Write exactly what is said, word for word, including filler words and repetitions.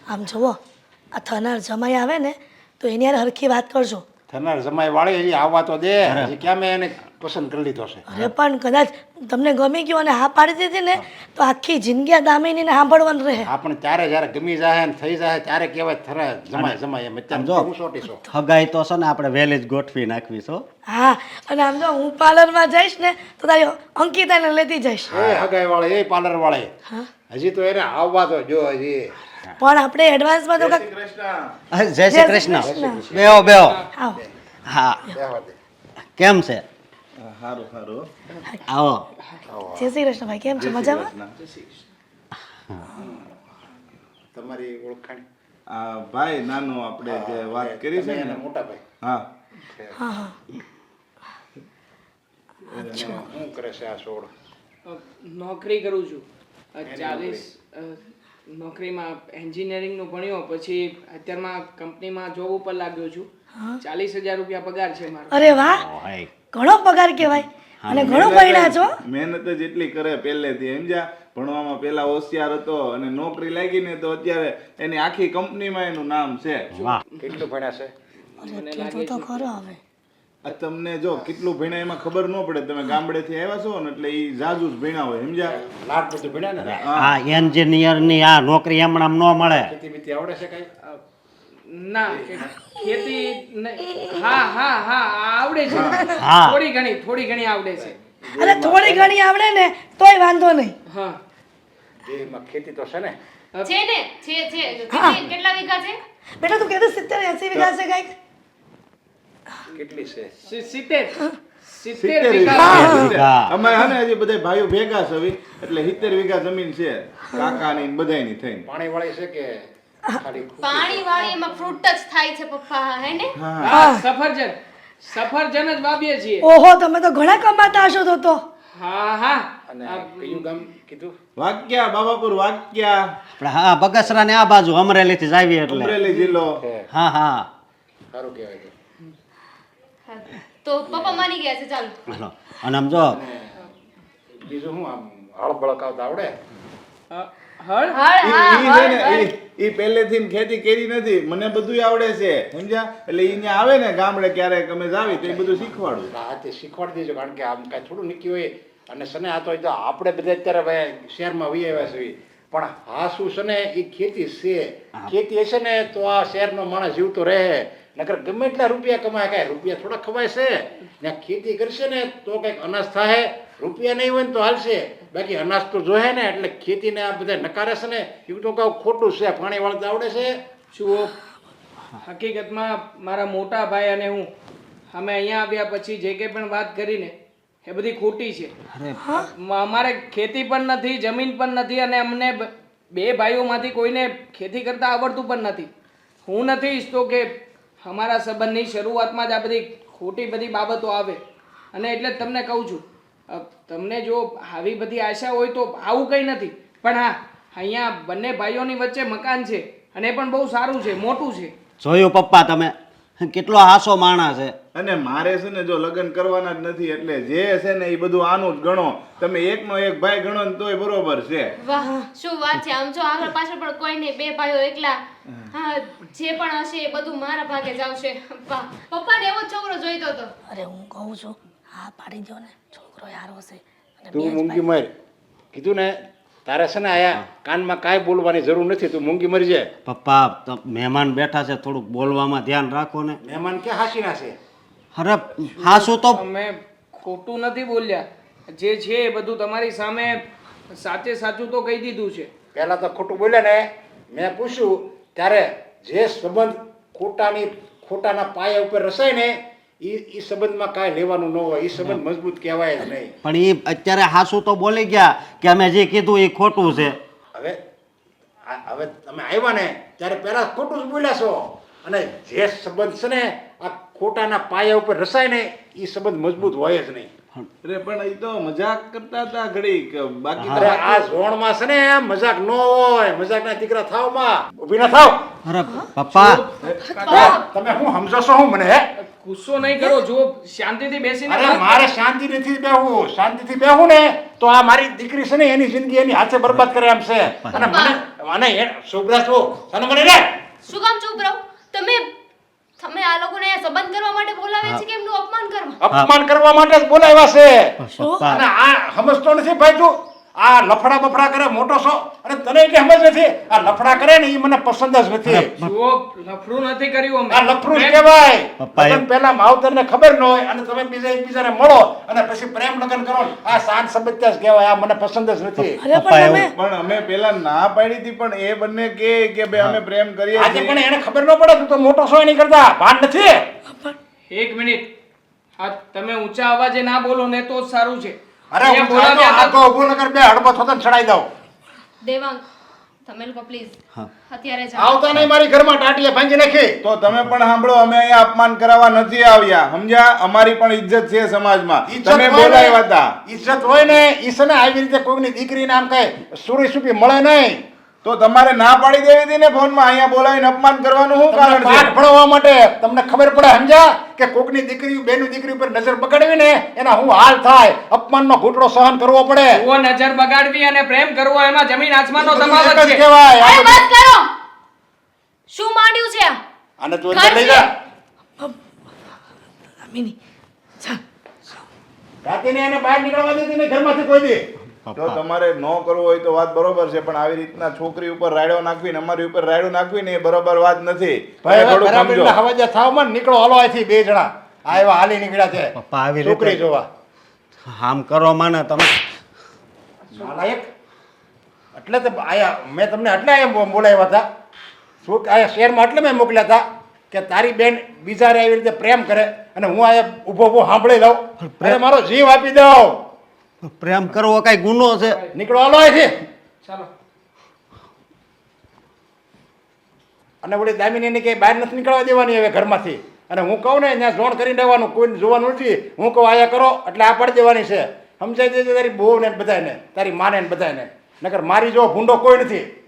આમ જુઓ આ થનાર જમાઈ આવે ને તો એની યાર હરખી વાત કરજો. થનાર જમાઈ વાળી હજી આવવા તો દે. હજી ક્યાં મેં એને પસંદ કરી લીધો છે. અરે પણ કદાચ તમને ગમી ગયું અને હા પાડી દીધી ને તો આખી જિંદગી આ દામિનીને સાંભળવાનું રહે. હા પણ ત્યારે જ્યારે ગમી જાય ને થઈ જાય ત્યારે કહેવાય થરા જમાય જમાય એમ. અત્યારે હું સોટીશો. હગાઈ તો છે ને આપણે વહેલી જ ગોઠવી નાખવી છો. હા અને આમ જો હું પાર્લરમાં જઈશ ને તો તારી અંકિતાને લેતી જઈશ. એ હગાઈ વાળે એ પાર્લર વાળે હજી તો એને આવવા તો જો હજી. પણ આપણે એડવાન્સમાં તો જય શ્રી કૃષ્ણ. બેહો બેહો. આવો હા બેહવા દે. કેમ છે? સારું સારું આવો. જય શ્રી કૃષ્ણ ભાઈ, કેમ છો? મજામાં? તમારી ઓળખાણ આ ભાઈ નાનો આપણે જે વાત કરી છે ને મોટા ભાઈ. હા હા હા શું કરે છે આ છોડ? નોકરી કરું છું ચાલીસ નોકરીમાં એન્જિનિયરિંગનું ભણ્યો પછી અત્યારમાં કંપનીમાં જોબ ઉપર લાગ્યો છું. ચાલીસ હજાર રૂપિયા પગાર છે મારો. અરે વાહ, હાય. ઘણો પગાર કહેવાય અને ઘણો ભણ્યા છો. મહેનત જ એટલી કરે પહેલેથી સમજ્યા. ભણવામાં પેલા હોશિયાર હતો અને નોકરી લાગી ને તો અત્યારે એની આખી કંપનીમાં એનું નામ છે. વાહ. કેટલું ભણ્યા છે? અરે કીધું તો ખરો હવે. આ તમને જો કેટલું ભણ્યા એમાં ખબર ન પડે. તમે ગામડેથી આવ્યા છો ને એટલે એ જાજુ જ ભણ્યા હોય સમજ્યા. લાખ બધું ભણ્યા ને? આ એન્જિનિયર ની આ નોકરી હમણાં ન મળે. ખેતી બીતી આવડે છે કઈ? ના ખેતી નહીં. હા હા હા આવડે છે. હા. થોડી ઘણી થોડી ઘણી આવડે છે. અરે થોડી ઘણી આવડે ને તોય વાંધો નહીં. હા એમાં ખેતી તો છે ને? છે ને છે છે કેટલી- કેટલા વીઘા છે? બેટા તું કહેતો સિત્તેર એસી વીઘા છે કઈક. કેટલી છે? સી- સિત્તેર સિત્તેર સિત્તેર વીઘા વીઘા. અમે હે ને હજી બધા ભાઈઓ ભેગા છે હવે. એટલે સિત્તેર વીઘા જમીન છે કાકાની ને બધાયની થઈને. પાણી વાળી છે કે ખાલી પાણી વાળી એમાં ફ્રૂટ જ થાય છે પપ્પા, હે ને? હા સફરજન સફરજન જ વાવીએ છીએ. ઓહો, તમે તો ઘણા કમાતા હશો તો તો. હા હા અને કયું ગામ કીધું? વાક્યા બાબાપુર વાક્યા આપણે હા બગસરા ને આ બાજુ અમરેલી થી જ આવીએ એટલે. અમરેલી જિલ્લો. હા હા. સારું કહેવાય છે. હા. તો પપ્પા માની ગયા છે, ચાલો. હાલો. અને આમ જો બીજું શું આમ હળ બળકાવતા આવડે? અ, હળ હળ, ઈ- હા, ઈ છે ને, હળ, હળ. ઈ- ઈ પહેલેથી ને ખેતી કરી નથી. મને બધુંય આવડે છે સમજ્યા. એટલે ઈ ન્યા આવે ને ગામડે ક્યારેક અમે જાવી તો એ બધું શીખવાડું. આ તે શીખવાડી દેજો કારણ કે આમ કાંઈ થોડું નીકળી હોય અને સને આ તો એ તો આપણે બધા અત્યારે ભાઈ શહેરમાં વહી આવ્યા છીએ પણ આ શું છે ને એ ખેતી છે. ખેતી હશે ને તો આ શહેરનો માણસ જીવતો રહે. નકર ગમે એટલા રૂપિયા કમાય કાંઈ રૂપિયા થોડા ખવાય છે. ને ખેતી કરશે ને તો કંઈક અનાજ થાય. રૂપિયા નહીં હોય ને તો હાલશે, બાકી અનાજ તો જોહે ને. એટલે ખેતીને આ બધા નકારે છે ને એવું તો કહું ખોટું છે. પાણી વાળતા આવડે છે? જુઓ હકીકતમાં મારા મોટા ભાઈ અને હું અમે અહીંયા આવ્યા પછી જે કંઈ પણ વાત કરીને એ બધી ખોટી છે. મ- અમારે ખેતી પણ નથી, જમીન પણ નથી અને અમને બ- બે ભાઈઓમાંથી કોઈને ખેતી કરતા આવડતું પણ નથી. હું નથી ઈચ્છતો કે અમારા સંબંધની શરૂઆતમાં જ આ બધી ખોટી બધી બાબતો આવે અને એટલે જ તમને કહું છું અ, તમને જો આવી બધી આશા હોય તો આવું કંઈ નથી. પણ હા અહીંયા બંને ભાઈઓની વચ્ચે મકાન છે અને એ પણ બહુ સારું છે, મોટું છે. જોયું પપ્પા તમે કેટલો હાસો માણસ છે. અને મારે છે ને જો લગ્ન કરવાના જ નથી એટલે જે છે ને એ બધું આનું જ ગણો. તમે એકનો એક ભાઈ ગણો ને તોય બરોબર છે. વાહ શું વાત છે. આમ જો આગળ પાછળ પણ કોઈ નહીં, બે ભાઈઓ એકલા. હા જે પણ હશે એ બધું મારા ભાગે જ આવશે. વાહ, પપ્પાને એવો જ છોકરો જોઈતો હતો. અરે હું કહું છું હા પાડી દો ને, છોકરો યાર હશે. અને તું બે જ મૂંગી મર. કીધું ને તારે છે ને આયા કાનમાં કાંઈ બોલવાની જરૂર નથી. તું મૂંગી મરી જાય. પપ્પા તો મહેમાન બેઠા છે થોડુંક બોલવામાં ધ્યાન રાખો ને. મહેમાન ક્યાં હાસીના છે? અરે હાસુ તો અમે ખોટું નથી બોલ્યા. જે છે એ બધું તમારી સામે સાચે સાચું તો કહી દીધું છે. પહેલા તો ખોટું બોલ્યા ને મેં પૂછ્યું ત્યારે જે સંબંધ ખોટાની ખોટાના પાયા ઉપર રસાય ને એ એ સંબંધમાં કાંઈ લેવાનું ન હોય. એ સંબંધ મજબૂત કહેવાય જ નહીં. પણ એ અત્યારે હાસુ તો બોલી ગયા કે અમે જે કીધું એ ખોટું છે. હવે આ- હવે તમે આવ્યા ને ત્યારે પહેલા ખોટું જ બોલ્યા છો અને જે સંબંધ છે ને આ ખોટાના પાયા ઉપર રસાય ને એ સંબંધ મજબૂત હોય જ નહીં. અરે પણ એ તો મજાક કરતા હતા ઘડી કે બાકી અરે આ ઝોણમાં છે ને મજાક ન હોય. મજાકના દીકરા થાવ માં ઊભી ના થાવ. અરે પપ્પા તમે હું સમજો છો હું મને હે ગુસ્સો નહીં કરો જો શાંતિથી બેસીને અરે વાત મારે શાંતિ નથી બેહવું શાંતિથી બેહું ને તો આ મારી દીકરી છે ને એની જિંદગી એની હાથે બરબાદ કરે એમ છે અને મને અને એ શુભ્રા છો અને મને રે શું કામ ચૂપ રહો તમે તમે આ લોકોને અહીંયા સંબંધ કરવા માટે બોલાવે છે કે એમનું અપમાન કરવા અપમાન કરવા માટે જ બોલાવ્યા છે પપ્પા અને આ સમજતો નથી ભાઈ તું આ લફડા બફડા કરે મોટો છો અને તને એટલે સમજ નથી આ લફડા કરે ને એ મને પસંદ જ નથી જુઓ લફડું નથી કર્યું આ અમે લફરું જ કહેવાય પપ્પા એ- લગ્ન પહેલા માવતરને ખબર ન હોય અને તમે બીજા એકબીજાને મળો અને પછી પ્રેમ લગ્ન કરો ને, આ શાંત સંબંધ જ કહેવાય આ મને પસંદ જ નથી અરે પપ્પા પણ એવું- તમે પણ અમે પેલા ના પાડી હતી પણ એ બંને કે કે ભાઈ અમે પ્રેમ કરીએ આજે છીએ. પણ એને ખબર ન પડે તું તો મોટો છો એની કરતા ભાન નથી એક મિનિટ હા તમે ઊંચા અવાજે ના બોલો ને તો જ સારું છે અરે અહીંયા હું બોલાવ્યા બોલાવ્યા આ તો ઊભું નગર બે હડબો થતો ને ચડાઈ દઉં દેવાંગ તમે લોકો પ્લીઝ હા. અત્યારે જાઓ આવતા નહીં મારી ઘરમાં ટાટીએ ભાંગી નાખી તો તમે પણ સાંભળો અમે અહીંયા અપમાન કરાવવા નથી આવ્યા સમજ્યા અમારી પણ ઇજ્જત છે સમાજમાં ઈજ્જત તમે હોય ને- બોલાવ્યા હતા ઈજ્જત હોય ને ઈ છે ને આવી રીતે કોઈની દીકરીને આમ કઈ સુરી સુપી મળે નહીં તો તમારે ના પાડી દેવી હતી ને ફોનમાં અહીંયા બોલાવીને અપમાન કરવાનું શું તમને કારણ પાઠ છે ભણાવવા માટે તમને ખબર પડે સમજ્યા કે કોકની દીકરી બેનું દીકરી ઉપર નજર બગાડવી ને એના હું હાલ થાય અપમાનનો ઘૂંટડો સહન કરવો પડે જુઓ નજર બગાડવી અને પ્રેમ કરવો એમાં જમીન આસમાનનો બધું તફાવત એક જ છે કહેવાય આ અરે બધું. બસ કરો શું માંડ્યું છે આ આને તું અંદર લઈ જા દામિની ચાલ રાતીને એને બહાર નીકળવા દેતી નહીં ઘરમાંથી કોઈ દી જો તમારે ન કરવું હોય તો વાત બરોબર છે પણ આવી રીતના છોકરી ઉપર રાયડો નાખવી ને અમારી ઉપર રાયડો નાખવી ને એ બરોબર વાત નથી ભાઈ તમે હવે થોડું બરાબર સમજો એટલે હવાજે થાવ માં નીકળો હાલો અહીંથી બે જણા આ એવા હાલી નીકળ્યા છે પપ્પા આવી રીતે- છોકરી જોવા આમ કરો માને તમે નાલાયક એટલે તો આયા મેં તમને એટલે અહીંયા બોલાવ્યા હતા શું કે આયા શહેરમાં એટલે મેં મોકલ્યા હતા કે તારી બેન બીજા રે આવી રીતે પ્રેમ કરે અને હું આયા ઊભો ઊભો સાંભળી લઉં અરે મારો જીવ આપી દઉં પ્રેમ કરવો કઈ ગુનો છે નીકળો હાલો અહીંથી ચાલો અને ઓલી દામિનીને કે બહાર નથી નીકળવા દેવાની હવે ઘરમાંથી અને હું કહું ને ત્યાં જોણ કરીને રહેવાનું કોઈને જોવાનું નથી હું કહું આયા કરો એટલે આ પાડી દેવાની છે સમજાઈ દેજે તારી બહુ ને બધાને તારી માને ને બધાને નકર મારી જો ભૂંડો કોઈ નથી